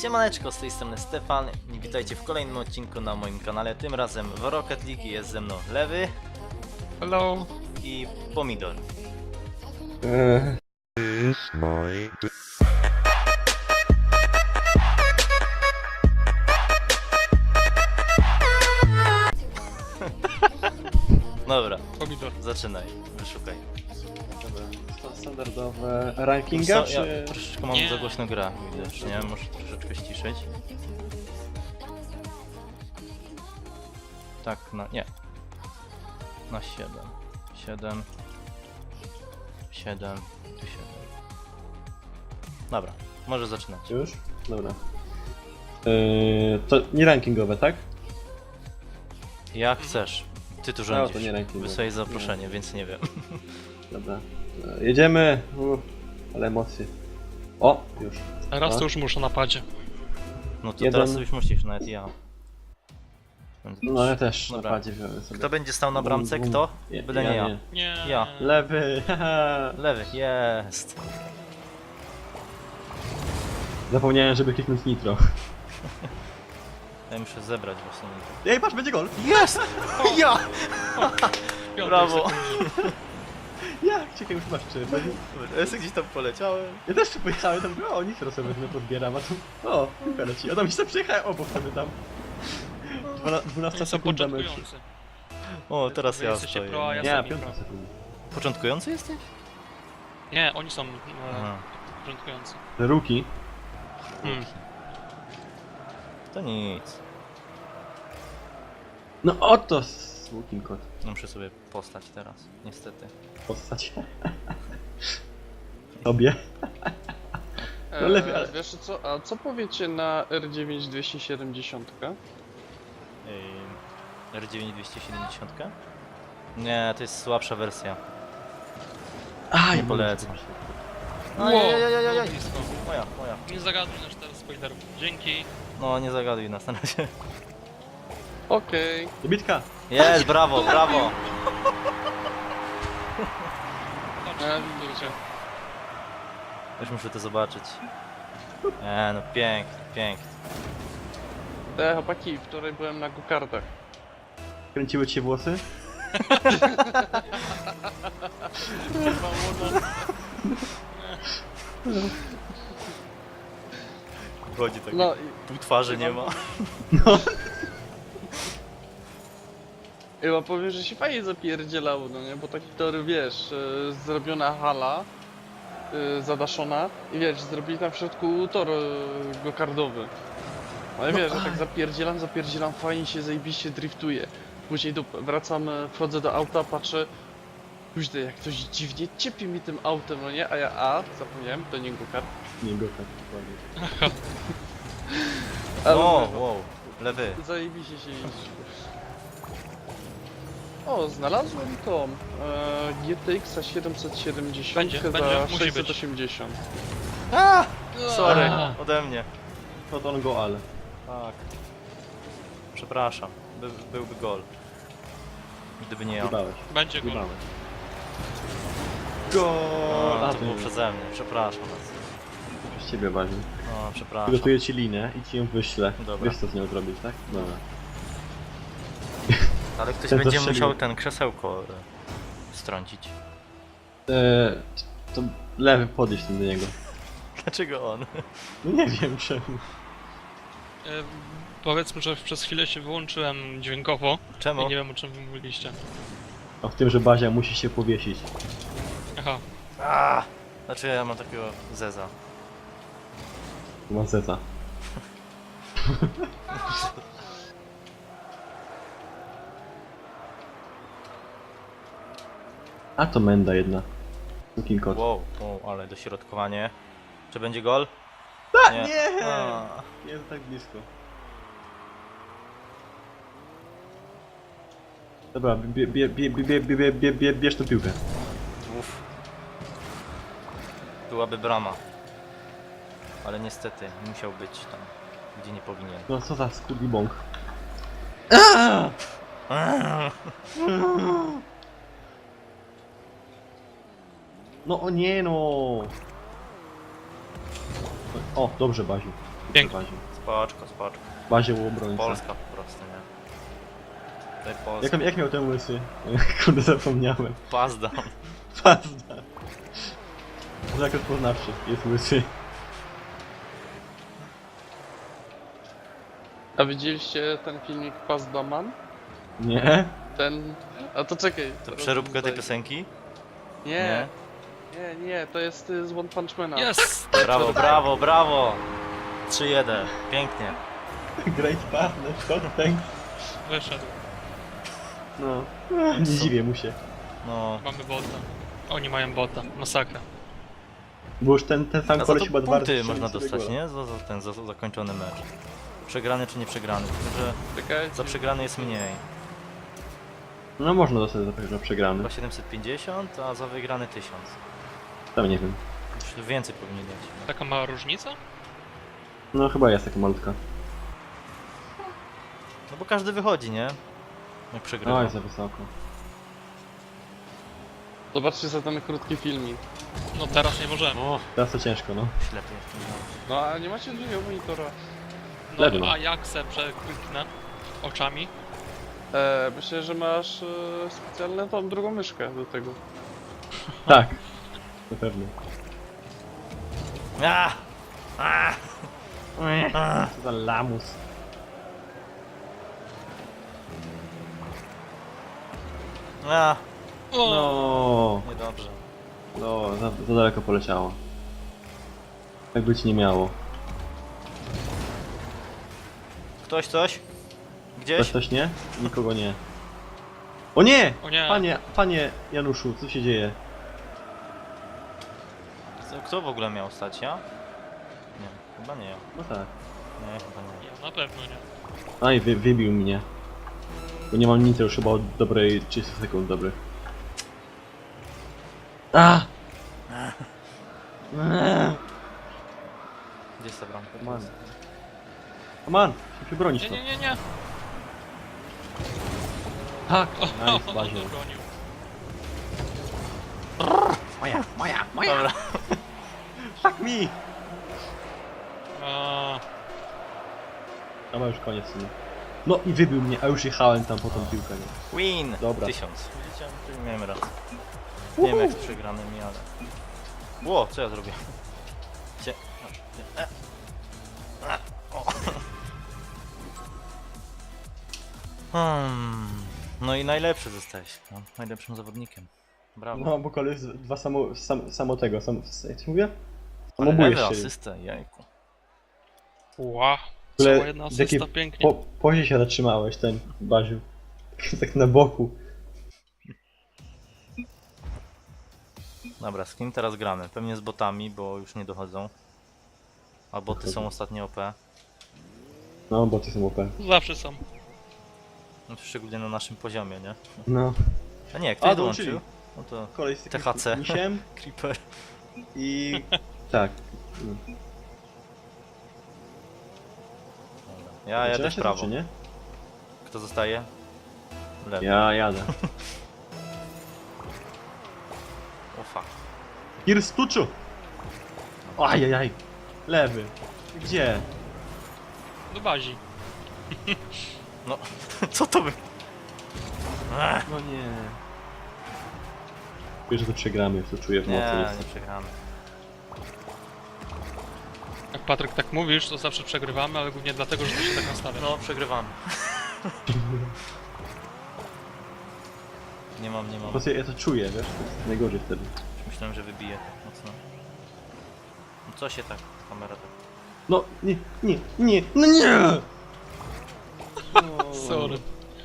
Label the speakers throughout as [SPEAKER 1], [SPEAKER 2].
[SPEAKER 1] Siemaneczko, z tej strony Stefan i witajcie w kolejnym odcinku na moim kanale. Tym razem w Rocket League jest ze mną Lewy.
[SPEAKER 2] Hello.
[SPEAKER 1] I Pomidor. Dobra,
[SPEAKER 2] Pomidor.
[SPEAKER 1] zaczynaj, wyszukaj.
[SPEAKER 3] Standardowe rankinga,
[SPEAKER 1] Ja
[SPEAKER 3] czy...
[SPEAKER 1] troszeczkę mam
[SPEAKER 2] Nie.
[SPEAKER 1] za głośno gra, widocznie, muszę troszeczkę ściszyć. Tak, nie. Na 7. 7. 7. Tu 7. Dobra, może zaczynać.
[SPEAKER 3] Już? Dobra. To nie rankingowe, tak?
[SPEAKER 1] Jak chcesz. Ty tu
[SPEAKER 3] No,
[SPEAKER 1] rządzisz.
[SPEAKER 3] to nie rankingowe.
[SPEAKER 1] Wysłałeś zaproszenie, więc nie wiem.
[SPEAKER 3] Dobra. Jedziemy. Ale emocje. O, już.
[SPEAKER 2] Raz to już muszę na padzie.
[SPEAKER 1] No to
[SPEAKER 3] Jeden.
[SPEAKER 1] teraz już musisz, nawet ja.
[SPEAKER 3] No ja też
[SPEAKER 1] Dobra.
[SPEAKER 3] na padzie wziąłem sobie.
[SPEAKER 1] Kto będzie stał na bramce? Kto? Byle nie ja.
[SPEAKER 2] Nie.
[SPEAKER 1] Ja.
[SPEAKER 3] Lewy, haha.
[SPEAKER 1] Lewy, jest.
[SPEAKER 3] Zapomniałem, żeby kliknąć nitro.
[SPEAKER 1] Ja muszę zebrać właśnie.
[SPEAKER 3] Ej, patrz, będzie gol!
[SPEAKER 1] Jest! Ja!
[SPEAKER 2] Piątej
[SPEAKER 1] Brawo!
[SPEAKER 2] sekundzie.
[SPEAKER 3] Jak? Czekaj, już masz czy.
[SPEAKER 1] Ja sobie gdzieś tam poleciałem.
[SPEAKER 3] Ja też tu pojechałem, tam o, nitro sobie wezmę, pozbieram, a tu... O, piłka leci. A tam się przejechałem obok sobie tam. 12
[SPEAKER 2] Oni są
[SPEAKER 3] sekund na meczu.
[SPEAKER 2] początkujący.
[SPEAKER 1] O, teraz
[SPEAKER 2] Wy
[SPEAKER 1] ja
[SPEAKER 2] jesteście
[SPEAKER 1] stoję.
[SPEAKER 2] pro, a ja
[SPEAKER 3] Nie,
[SPEAKER 2] sam
[SPEAKER 3] 5
[SPEAKER 2] pro.
[SPEAKER 3] sekund.
[SPEAKER 1] Początkujący jesteś?
[SPEAKER 2] Nie, oni są
[SPEAKER 1] Aha.
[SPEAKER 2] początkujący.
[SPEAKER 3] Ruki.
[SPEAKER 1] To nic.
[SPEAKER 3] No oto smoking kot.
[SPEAKER 1] Muszę sobie postać teraz, niestety.
[SPEAKER 3] Postać. Tobie. No lepiej, ale-
[SPEAKER 4] Wiesz co, a co powiecie na R9 270?
[SPEAKER 1] R9 270? Nie, to jest słabsza wersja.
[SPEAKER 3] A,
[SPEAKER 1] Nie polecam.
[SPEAKER 2] Wow,
[SPEAKER 1] Ajajajajajaj.
[SPEAKER 2] było blisko.
[SPEAKER 1] Moja.
[SPEAKER 2] Nie zagaduj na 4 spoilerów. Dzięki.
[SPEAKER 1] No, nie zagaduj nas na razie.
[SPEAKER 4] Okej.
[SPEAKER 3] Bitka.
[SPEAKER 1] Jest, brawo, brawo!
[SPEAKER 2] Widzicie.
[SPEAKER 1] Już muszę to zobaczyć. No pięknie, pięknie.
[SPEAKER 4] Chłopaki, wczoraj byłem na go-kartach.
[SPEAKER 3] Kręciły ci się włosy?
[SPEAKER 1] Chodzi tak,
[SPEAKER 4] No
[SPEAKER 1] pół twarzy nie ma.
[SPEAKER 4] i chyba powiem, że się fajnie zapierdzielało, no nie? Bo taki tory, wiesz, zrobiona hala, zadaszona i wiesz, zrobili tam w środku tor go-kardowy. Ale wiesz, że tak zapierdzielam, fajnie się zajebiście driftuje. Później wracam, wchodzę do auta, patrzę, kuźdy, jak ktoś dziwnie ciepi mi tym autem, no nie? A ja, zapomniałem, to nie go-kart.
[SPEAKER 3] Nie, go tak, dokładnie.
[SPEAKER 4] Ale
[SPEAKER 1] O,
[SPEAKER 4] mówię,
[SPEAKER 1] wow, lewy.
[SPEAKER 4] zajebiście się jeździ. O, znalazłem tą GTX 770
[SPEAKER 2] Będzie,
[SPEAKER 4] za
[SPEAKER 2] musi być.
[SPEAKER 4] 680.
[SPEAKER 1] Sorry,
[SPEAKER 2] A.
[SPEAKER 1] ode mnie.
[SPEAKER 3] To on go, ale.
[SPEAKER 1] Tak. Przepraszam, byłby gol. Gdyby nie ja.
[SPEAKER 3] Jebałeś.
[SPEAKER 2] Będzie gol.
[SPEAKER 3] Jebałeś.
[SPEAKER 1] O,
[SPEAKER 3] Go!
[SPEAKER 1] to było przeze mnie, przepraszam was.
[SPEAKER 3] Z ciebie ważne.
[SPEAKER 1] O, przepraszam.
[SPEAKER 3] Przygotuję ci linę i ci ją wyślę.
[SPEAKER 1] Dobra.
[SPEAKER 3] Wiesz co z nią zrobić, tak? Dobra.
[SPEAKER 1] Ale ktoś
[SPEAKER 3] Ten
[SPEAKER 1] będzie
[SPEAKER 3] zastrzelił.
[SPEAKER 1] musiał ten krzesełko strącić.
[SPEAKER 3] To lewy podejść do niego.
[SPEAKER 1] Dlaczego on?
[SPEAKER 3] No nie wiem czemu.
[SPEAKER 2] E, Powiedzmy, że przez chwilę się wyłączyłem dźwiękowo
[SPEAKER 1] Czemu?
[SPEAKER 2] i nie wiem, o czym wy mówiliście.
[SPEAKER 3] A w tym, że Bazia musi się powiesić.
[SPEAKER 2] Aha.
[SPEAKER 1] Znaczy ja mam takiego zeza.
[SPEAKER 3] Ma zeta. A to menda jedna. Looking kot.
[SPEAKER 1] Wow, ale dośrodkowanie. Czy będzie gol?
[SPEAKER 3] Nie!
[SPEAKER 1] A,
[SPEAKER 3] Jest tak blisko. Dobra, bierz tą piłkę.
[SPEAKER 1] Uff. Byłaby brama. Ale niestety musiał być tam, gdzie nie powinien.
[SPEAKER 3] No co za skurwi bąk. No o nie no! O, dobrze Baziu.
[SPEAKER 2] Pięknie.
[SPEAKER 3] Bazie.
[SPEAKER 1] Spoczko, spoczko.
[SPEAKER 3] Bazie u obrońca.
[SPEAKER 1] Polska po prostu, nie? Tutaj Polska.
[SPEAKER 3] Jak miał ten łysy? Kurde, zapomniałem.
[SPEAKER 1] Pazda.
[SPEAKER 3] Pazda. Znak rozpoznawczy, jest łysy.
[SPEAKER 4] A widzieliście ten filmik Pazda Man?
[SPEAKER 3] Nie?
[SPEAKER 4] Ten... A to czekaj.
[SPEAKER 1] To
[SPEAKER 4] teraz
[SPEAKER 1] przeróbkę tej
[SPEAKER 4] tutaj.
[SPEAKER 1] piosenki?
[SPEAKER 4] Nie, nie, to jest z One Punch Mana.
[SPEAKER 2] Jest!
[SPEAKER 1] Brawo, brawo, brawo! 3-1, pięknie.
[SPEAKER 3] Great partner, Scott, thanks.
[SPEAKER 2] Wyszedł.
[SPEAKER 3] No. Nie dziwię mu się.
[SPEAKER 1] No.
[SPEAKER 2] Mamy bota. Oni mają bota. Masakra.
[SPEAKER 3] Bo już ten sam
[SPEAKER 1] A za
[SPEAKER 3] koleś
[SPEAKER 1] to
[SPEAKER 3] chyba 2 razy
[SPEAKER 1] punkty
[SPEAKER 3] strzelił
[SPEAKER 1] można
[SPEAKER 3] sobie
[SPEAKER 1] dostać,
[SPEAKER 3] gola.
[SPEAKER 1] nie? Za zakończony mecz. Przegrany czy nie przegrany, tylko że
[SPEAKER 4] Czekaj.
[SPEAKER 1] za przegrany jest mniej.
[SPEAKER 3] No można dostać za przegrany.
[SPEAKER 1] Chyba 750, a za wygrany 1000.
[SPEAKER 3] Tam nie wiem.
[SPEAKER 1] Już więcej powinni dać.
[SPEAKER 2] Taka mała różnica?
[SPEAKER 3] No chyba jest taka malutka.
[SPEAKER 1] No bo każdy wychodzi, nie? Jak przegrywa.
[SPEAKER 3] Oj, za wysoko.
[SPEAKER 4] Zobaczcie za ten krótki filmik.
[SPEAKER 2] No teraz nie możemy.
[SPEAKER 1] O,
[SPEAKER 3] Teraz to ciężko, no.
[SPEAKER 1] ślepy jestem.
[SPEAKER 4] No a nie macie drugiego monitora.
[SPEAKER 3] Lewy,
[SPEAKER 2] No
[SPEAKER 3] no.
[SPEAKER 2] a jak se przekliknę oczami?
[SPEAKER 4] Myślę, że masz specjalną tą drugą myszkę do tego.
[SPEAKER 3] Tak. Na pewno.
[SPEAKER 1] A! A! A!
[SPEAKER 3] Co za lamus.
[SPEAKER 1] A!
[SPEAKER 2] O!
[SPEAKER 3] No,
[SPEAKER 1] Niedobrze.
[SPEAKER 3] no, za daleko poleciało. Tak być nie miało.
[SPEAKER 1] Ktoś coś?
[SPEAKER 3] Ktoś
[SPEAKER 1] Gdzieś?
[SPEAKER 3] coś nie? Nikogo nie. O nie!
[SPEAKER 2] O nie!
[SPEAKER 3] Panie Januszu, co się dzieje?
[SPEAKER 1] Kto w ogóle miał stać? Ja? Nie, chyba nie ja.
[SPEAKER 3] No tak.
[SPEAKER 1] Nie, chyba nie.
[SPEAKER 2] Ja na pewno nie.
[SPEAKER 3] Aj, wybił mnie. Bo nie mam nic już chyba od dobrej 30 sekund dobrych. A!
[SPEAKER 1] Gdzie jest ta bramka?
[SPEAKER 3] Man. Man, się bronić
[SPEAKER 2] Nie,
[SPEAKER 3] to.
[SPEAKER 2] nie, nie, nie.
[SPEAKER 3] Tak!
[SPEAKER 2] O,
[SPEAKER 3] Nice, Bazio.
[SPEAKER 2] bronił.
[SPEAKER 1] Dobra.
[SPEAKER 3] Fuck me!
[SPEAKER 2] A,
[SPEAKER 3] Chyba już koniec w sumie. No i wybił mnie, a już jechałem tam po tą piłkę, nie?
[SPEAKER 1] Win!
[SPEAKER 3] Dobra.
[SPEAKER 1] 1000. Widzicie? Tu miałem rację. Nie wiem jak z przegranymi, ale... Ło, co ja zrobię? Cie... O. No i najlepszy zostałeś. No, najlepszym zawodnikiem. Brawo.
[SPEAKER 3] No, bo koleś dwa samo tego, jak to się mówię?
[SPEAKER 1] Ale
[SPEAKER 3] Samobóje
[SPEAKER 1] lewy
[SPEAKER 3] strzelił.
[SPEAKER 1] asystę, jajku.
[SPEAKER 2] ła.
[SPEAKER 3] W ogóle
[SPEAKER 2] Cała jedna
[SPEAKER 3] z jakiej
[SPEAKER 2] asysta, pięknie.
[SPEAKER 3] pozie się zatrzymałeś ten, Baziu. Tak na boku.
[SPEAKER 1] Dobra, z kim teraz gramy? Pewnie z botami, bo już nie dochodzą. A boty są ostatnio OP.
[SPEAKER 3] No, bo ty są OP.
[SPEAKER 2] Zawsze są.
[SPEAKER 1] No, szczególnie na naszym poziomie, nie?
[SPEAKER 3] No.
[SPEAKER 1] A nie, ktoś
[SPEAKER 3] dołączyli.
[SPEAKER 1] dołączył. No to
[SPEAKER 3] Kolej z takim
[SPEAKER 1] THC.
[SPEAKER 3] misiem
[SPEAKER 1] Creeper.
[SPEAKER 3] i... tak.
[SPEAKER 1] Ja jadę w prawo.
[SPEAKER 3] Czy nie?
[SPEAKER 1] Kto zostaje? Lewy.
[SPEAKER 3] Ja jadę.
[SPEAKER 1] O fuck.
[SPEAKER 3] Kirstuczu! Ajajaj. Lewy. Gdzie?
[SPEAKER 2] Do bazi.
[SPEAKER 1] No, co to by... Ech,
[SPEAKER 3] No nie. Wiesz, że to przegramy, już to czuję w mocy.
[SPEAKER 1] nie, nie przegramy.
[SPEAKER 2] Jak Patryk tak mówisz, to zawsze przegrywamy, ale głównie dlatego, że to się tak nastawia.
[SPEAKER 1] No, przegrywamy. Nie mam.
[SPEAKER 3] Po prostu ja to czuję, wiesz? To jest najgorzej wtedy.
[SPEAKER 1] Myślałem, że wybije mocno. No co się tak, kamera tak...
[SPEAKER 3] No, nie, no nie!
[SPEAKER 2] Sorry.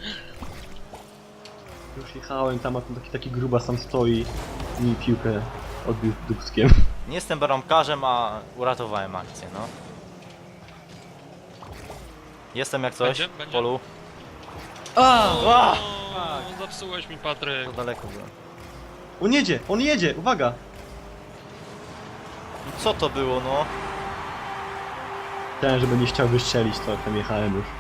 [SPEAKER 3] Już jechałem tam, a tam taki grubas tam stoi i mi piłkę odbił dupskiem.
[SPEAKER 1] Nie jestem bramkarzem, a uratowałem akcję, no. Jestem jak coś,
[SPEAKER 2] Będzie? Będzie?
[SPEAKER 1] polu.
[SPEAKER 2] O, zepsułeś mi, Patryk.
[SPEAKER 1] To daleko byłem.
[SPEAKER 3] On jedzie, uwaga!
[SPEAKER 1] No co to było, no?
[SPEAKER 3] Chciałem, żeby nie chciał wystrzelić, to tam jechałem już.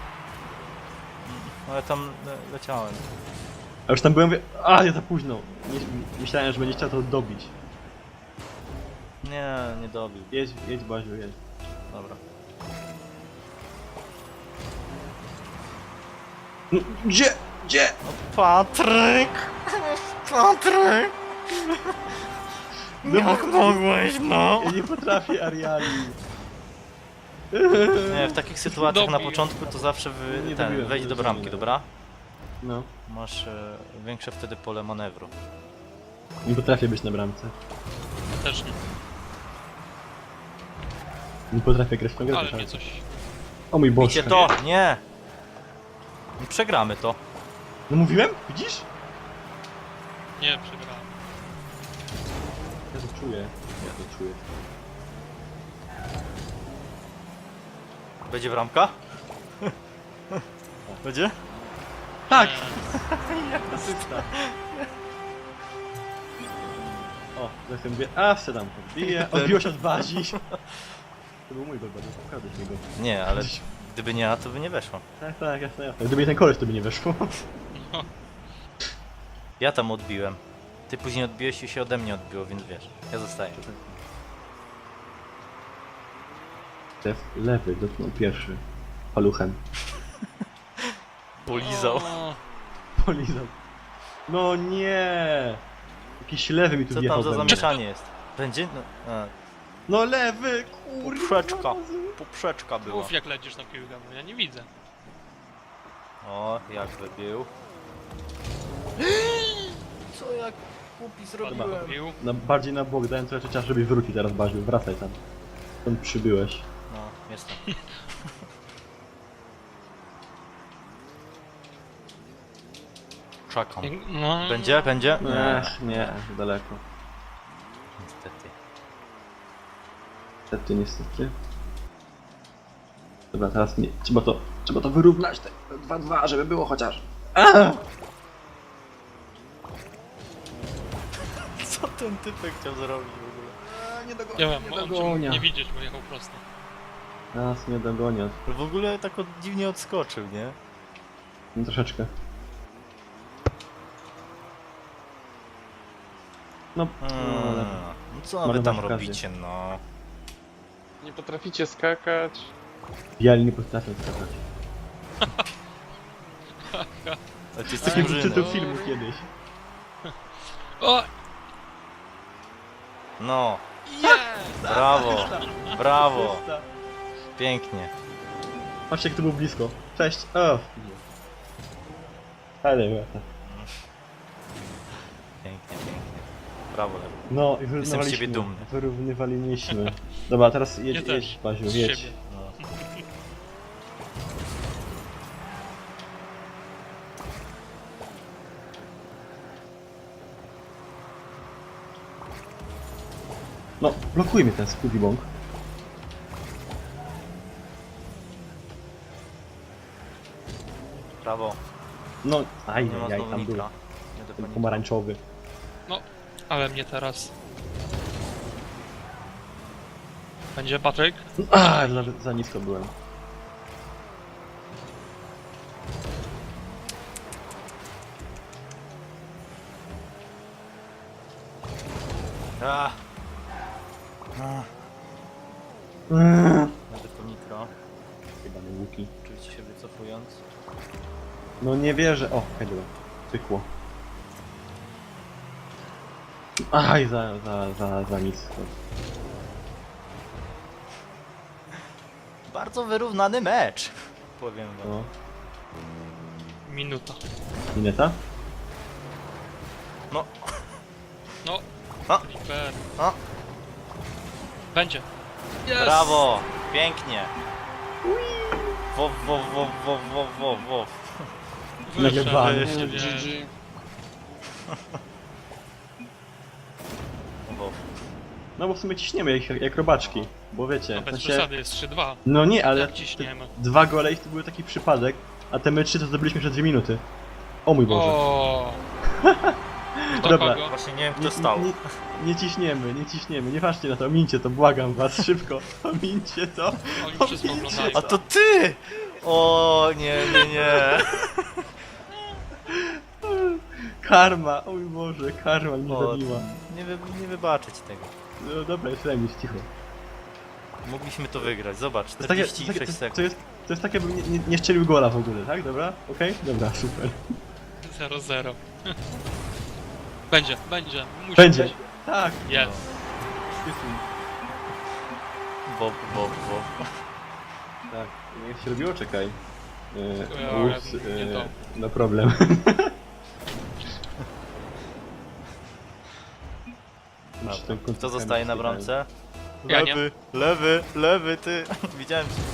[SPEAKER 1] Ale tam leciałem.
[SPEAKER 3] A już tam byłem, mówię, a ja za późno. Myślałem, że będzie chciał to dobić.
[SPEAKER 1] Nie dobił.
[SPEAKER 3] Jedź Baziu, jedź.
[SPEAKER 1] Dobra.
[SPEAKER 3] Gdzie? Gdzie?
[SPEAKER 1] Patryk! Patryk!
[SPEAKER 3] No
[SPEAKER 1] Jak mogłeś, no?
[SPEAKER 3] Ja nie potrafię Ariali.
[SPEAKER 1] Nie, w takich sytuacjach na
[SPEAKER 2] Dobij.
[SPEAKER 1] początku to zawsze
[SPEAKER 3] Nie
[SPEAKER 1] wejdź
[SPEAKER 3] dobiłem,
[SPEAKER 1] do
[SPEAKER 3] to
[SPEAKER 1] bramki,
[SPEAKER 3] rozumiem.
[SPEAKER 1] dobra?
[SPEAKER 3] No.
[SPEAKER 1] Masz większe wtedy pole manewru.
[SPEAKER 3] Nie potrafię być na bramce.
[SPEAKER 2] Też nie.
[SPEAKER 3] Nie potrafię grać w tą grę.
[SPEAKER 2] Ale
[SPEAKER 3] tak.
[SPEAKER 2] mnie coś...
[SPEAKER 3] O mój Boże.
[SPEAKER 1] Bicie to! Nie! Przegramy to.
[SPEAKER 3] No mówiłem? Widzisz?
[SPEAKER 2] Nie, przegrałem.
[SPEAKER 3] Ja to czuję. Ja to czuję.
[SPEAKER 1] Będzie bramka? Będzie?
[SPEAKER 3] Tak!
[SPEAKER 2] Nie.
[SPEAKER 3] O, zresztą mówię, a wsiadam, podbiję, odbiło się od bazi. To był mój gol, bardzo ukradłeś mi go.
[SPEAKER 1] Nie, ale gdyby nie ja, to by nie weszło.
[SPEAKER 3] Tak, tak, jasne, jasne. Gdyby nie ten koleś, to by nie weszło.
[SPEAKER 2] No.
[SPEAKER 1] Ja tam odbiłem. Ty później odbiłeś i się ode mnie odbiło, więc wiesz. Ja zostaję.
[SPEAKER 3] Stef lewy dotknął pierwszy. Paluchem.
[SPEAKER 1] Polizał.
[SPEAKER 2] O,
[SPEAKER 3] Polizał. No nie! Jakiś lewy mi tu
[SPEAKER 1] Co
[SPEAKER 3] wjechał
[SPEAKER 1] tam za
[SPEAKER 3] we mnie.
[SPEAKER 1] zamieszanie jest? Będzie? No,
[SPEAKER 3] No lewy, kurwa!
[SPEAKER 1] poprzeczka. Poprzeczka była.
[SPEAKER 2] Mów jak lecisz na piłkę, bo ja nie widzę.
[SPEAKER 1] O, jak wybił. Co jak głupi
[SPEAKER 2] Ładnie pił.
[SPEAKER 3] Bardziej na bok, dałem trochę czasu, żebyś wrócił teraz, Baziu. Wracaj tam. Stąd przybyłeś.
[SPEAKER 1] No, jestem. Czekam.
[SPEAKER 2] No,
[SPEAKER 1] Będzie? Będzie? Nie.
[SPEAKER 3] Ech, nie, daleko.
[SPEAKER 1] Niestety.
[SPEAKER 3] Niestety, niestety. Dobra, teraz nie. Trzeba to wyrównać, te 2-2, żeby było chociaż.
[SPEAKER 1] Co ten typek chciał zrobić w ogóle?
[SPEAKER 3] Nie dogonię,
[SPEAKER 2] ja wiem,
[SPEAKER 3] nie
[SPEAKER 2] on cię
[SPEAKER 3] dogonia.
[SPEAKER 2] nie widzieć, bo jechał prosto.
[SPEAKER 3] Nas nie dogonią.
[SPEAKER 1] W ogóle tak dziwnie odskoczył, nie?
[SPEAKER 3] No, troszeczkę. No, ale...
[SPEAKER 1] No co wy
[SPEAKER 3] Marnować
[SPEAKER 1] tam
[SPEAKER 3] okazję.
[SPEAKER 1] robicie, no?
[SPEAKER 4] Nie potraficie skakać.
[SPEAKER 3] Biali nie potrafią skakać.
[SPEAKER 1] A ty
[SPEAKER 3] Z
[SPEAKER 1] jesteś
[SPEAKER 3] takiego
[SPEAKER 1] murzynem.
[SPEAKER 3] czytał filmu kiedyś.
[SPEAKER 2] O!
[SPEAKER 1] No,
[SPEAKER 2] Jest!
[SPEAKER 1] brawo, brawo, pięknie.
[SPEAKER 3] Patrzcie, jak to było blisko. Cześć. O. Ale łata.
[SPEAKER 1] Pięknie, pięknie. Brawo, Lewy.
[SPEAKER 3] No i
[SPEAKER 1] Jestem z
[SPEAKER 3] wyrównywaliśmy.
[SPEAKER 1] ciebie dumny.
[SPEAKER 3] Wyrównywaliśmy. Dobra, teraz
[SPEAKER 2] Ja
[SPEAKER 3] jedź,
[SPEAKER 2] też.
[SPEAKER 3] jedź, Baziu,
[SPEAKER 2] Z
[SPEAKER 3] jedź.
[SPEAKER 2] siebie.
[SPEAKER 1] No.
[SPEAKER 3] No, blokuje mnie ten Scooby Bong.
[SPEAKER 1] Brawo.
[SPEAKER 3] No, aj,
[SPEAKER 1] Nie ma
[SPEAKER 3] aj,
[SPEAKER 1] znowu
[SPEAKER 3] tam był.
[SPEAKER 1] Nikla. Nie do
[SPEAKER 3] Ten
[SPEAKER 1] paniki.
[SPEAKER 3] pomarańczowy.
[SPEAKER 2] No, ale mnie teraz. Będzie Patryk?
[SPEAKER 3] A, za nisko byłem.
[SPEAKER 1] A.
[SPEAKER 3] Eee.
[SPEAKER 1] Będę po nitro,
[SPEAKER 3] Chyba nie łuki.
[SPEAKER 1] oczywiście się wycofując.
[SPEAKER 3] No nie wierzę. O, dobra. Pykło. Aj, za nisko.
[SPEAKER 1] Bardzo wyrównany mecz, powiem wam.
[SPEAKER 3] No.
[SPEAKER 2] Minuta.
[SPEAKER 3] Mineta?
[SPEAKER 1] No,
[SPEAKER 2] No.
[SPEAKER 1] A.
[SPEAKER 2] Flipper.
[SPEAKER 1] A.
[SPEAKER 2] Będzie. Jest!
[SPEAKER 1] brawo, pięknie. Wow, wow, wow, wow, wow, wow, wow.
[SPEAKER 2] Wyszedł,
[SPEAKER 3] Nagrywany.
[SPEAKER 2] jeszcze
[SPEAKER 4] GG.
[SPEAKER 2] wie.
[SPEAKER 1] Wow.
[SPEAKER 3] No bo w sumie ciśniemy jak robaczki. Bo wiecie,
[SPEAKER 2] No
[SPEAKER 3] w
[SPEAKER 2] bez
[SPEAKER 3] sensie...
[SPEAKER 2] przesady, jest 3-2.
[SPEAKER 3] No nie, ale
[SPEAKER 2] Jak ciśniemy.
[SPEAKER 3] 2 gole i to był taki przypadek, a te my 3 to zdobyliśmy przez 2 minuty. O mój Boże.
[SPEAKER 2] O. Kto
[SPEAKER 3] Dobra.
[SPEAKER 2] kogo?
[SPEAKER 1] Właśnie nie wiem kto stał.
[SPEAKER 3] Nie ciśniemy, nie patrzcie na to, omincie to, błagam was, szybko, omincie to.
[SPEAKER 2] Oni wszystko oglądają.
[SPEAKER 1] A to ty! O nie, nie, nie.
[SPEAKER 3] Karma, o mój Boże, karma mnie
[SPEAKER 1] O,
[SPEAKER 3] zabiła.
[SPEAKER 1] nie wybaczę ci tego.
[SPEAKER 3] No dobra, jest remis, cicho.
[SPEAKER 1] Mogliśmy to wygrać, zobacz,
[SPEAKER 3] To jest takie,
[SPEAKER 1] 46 sekund.
[SPEAKER 3] to jest takie, bym nie strzelił gola w ogóle, tak? Dobra? Okej? Dobra, super.
[SPEAKER 2] 0-0. Będzie, musi
[SPEAKER 3] Będzie.
[SPEAKER 2] być.
[SPEAKER 3] Tak.
[SPEAKER 2] Jest.
[SPEAKER 1] Bob.
[SPEAKER 3] Tak. Jak się robiło? Czekaj.
[SPEAKER 2] Ups, nie to.
[SPEAKER 3] No problem. Muszę ten
[SPEAKER 1] Kto
[SPEAKER 3] koncert
[SPEAKER 1] zostaje na
[SPEAKER 3] chemii
[SPEAKER 1] bramce?
[SPEAKER 2] Ja nie.
[SPEAKER 1] Lewy, ty. Widziałem cię.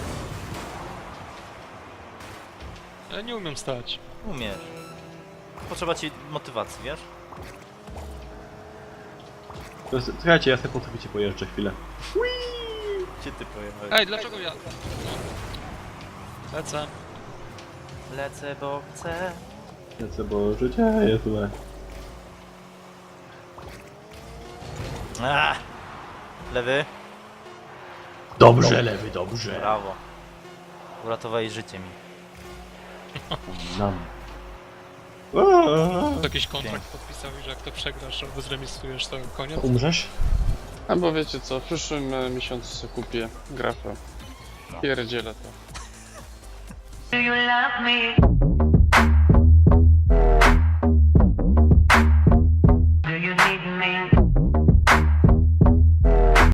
[SPEAKER 2] Ja nie umiem stać.
[SPEAKER 1] Umiesz. Potrzeba ci motywacji, wiesz?
[SPEAKER 3] Słuchajcie, ja sobie po sobie pojeżdżę chwilę.
[SPEAKER 1] Gdzie ty pojechałeś?
[SPEAKER 2] Ej, dlaczego ja? Lecę.
[SPEAKER 1] Lecę, bo chcę.
[SPEAKER 3] Lecę, bo życie jest złe.
[SPEAKER 1] Lewy.
[SPEAKER 3] Dobrze, lewy, dobrze.
[SPEAKER 1] Brawo. Uratowałeś życie mi.
[SPEAKER 3] Nam.
[SPEAKER 2] Jakiś kontrakt podpisałeś, że jak to przegrasz albo zremisujesz, to koniec.
[SPEAKER 3] Umrzesz?
[SPEAKER 4] Albo wiecie co, w przyszłym miesiącu sobie kupię grafę. Pierdzielę to.
[SPEAKER 5] Do you love me?